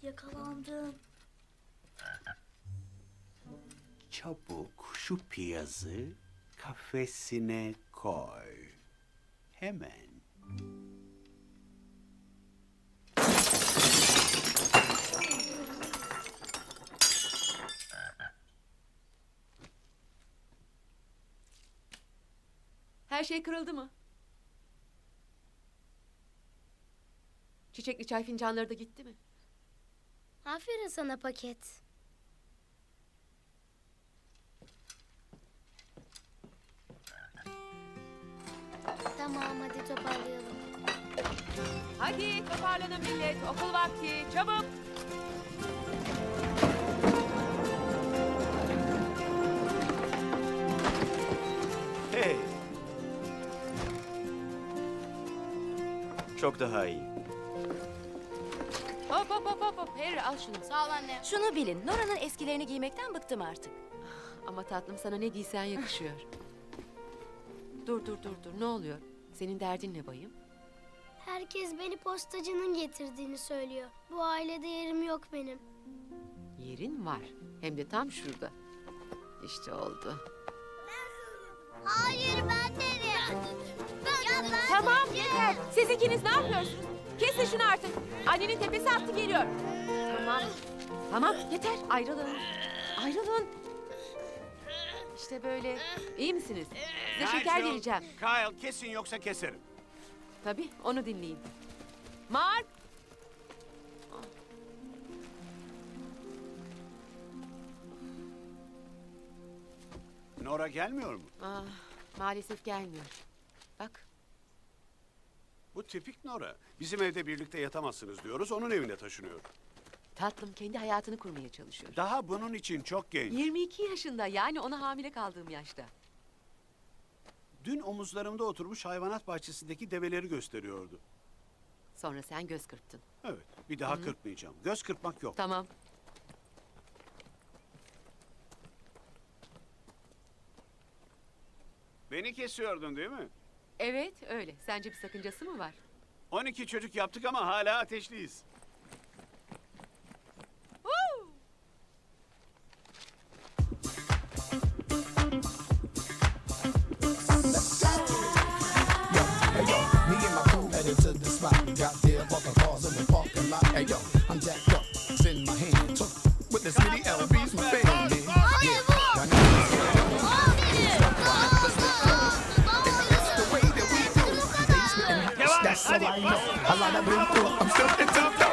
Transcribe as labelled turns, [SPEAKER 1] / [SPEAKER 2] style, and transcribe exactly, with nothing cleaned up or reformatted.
[SPEAKER 1] Yakalandım.
[SPEAKER 2] Çabuk şu piyazı kafesine koy. Hemen.
[SPEAKER 3] Her şey kırıldı mı? Çiçekli çay fincanları da gitti mi?
[SPEAKER 1] Aferin sana paket. Tamam, hadi toparlayalım.
[SPEAKER 3] Hadi toparlanın millet. Okul vakti. Çabuk.
[SPEAKER 4] Hey. Çok daha iyi.
[SPEAKER 3] Hop hop hop hop. hop. Harry al şunu.
[SPEAKER 1] Sağ ol anne.
[SPEAKER 5] Şunu bilin, Nora'nın eskilerini giymekten bıktım artık.
[SPEAKER 3] Ama tatlım sana ne giysen yakışıyor. Dur dur dur dur. Ne oluyor? Senin derdin ne bayım?
[SPEAKER 1] Herkes beni postacının getirdiğini söylüyor. Bu ailede yerim yok benim.
[SPEAKER 3] Yerin var. Hem de tam şurada. İşte oldu.
[SPEAKER 1] Hayır, ben derim. Ya ben
[SPEAKER 3] Tamam yeter. Siz ikiniz ne yapıyorsunuz? Kesin şunu artık. Annenin tepesi attı geliyor. Tamam. Tamam yeter. Ayrılın. Ayrılın. İşte böyle. İyi misiniz? Size şeker
[SPEAKER 2] Nigel,
[SPEAKER 3] vereceğim.
[SPEAKER 2] Kyle kesin yoksa keserim.
[SPEAKER 3] Tabii onu dinleyin. Mark.
[SPEAKER 2] Nora gelmiyor mu?
[SPEAKER 3] Ah, maalesef gelmiyor. Bak.
[SPEAKER 2] Bu tipik Nora. Bizim evde birlikte yatamazsınız diyoruz, onun evine taşınıyor.
[SPEAKER 3] Tatlım kendi hayatını kurmaya çalışıyor.
[SPEAKER 2] Daha bunun için çok genç.
[SPEAKER 3] yirmi iki yaşında, yani ona hamile kaldığım yaşta.
[SPEAKER 2] Dün omuzlarımda oturmuş hayvanat bahçesindeki develeri gösteriyordu.
[SPEAKER 3] Sonra sen göz kırptın.
[SPEAKER 2] Evet, bir daha kırpmayacağım. Göz kırpmak yok.
[SPEAKER 3] Tamam.
[SPEAKER 2] Beni kesiyordun değil mi?
[SPEAKER 3] Evet öyle. Sence bir sakıncası mı var?
[SPEAKER 2] on iki çocuk yaptık ama hala ateşliyiz.
[SPEAKER 3] Woo!
[SPEAKER 6] Hey yo, me and my crew headed to the spot. Got there, bought the cars in the parking lot. Hey yo, I'm jacked up, it's in my hand. Took with this mini L B's my family. Yeah, y'all know this. And that's the way that we do. They spittin' That's all I know. A lot of been through. I'm still in top.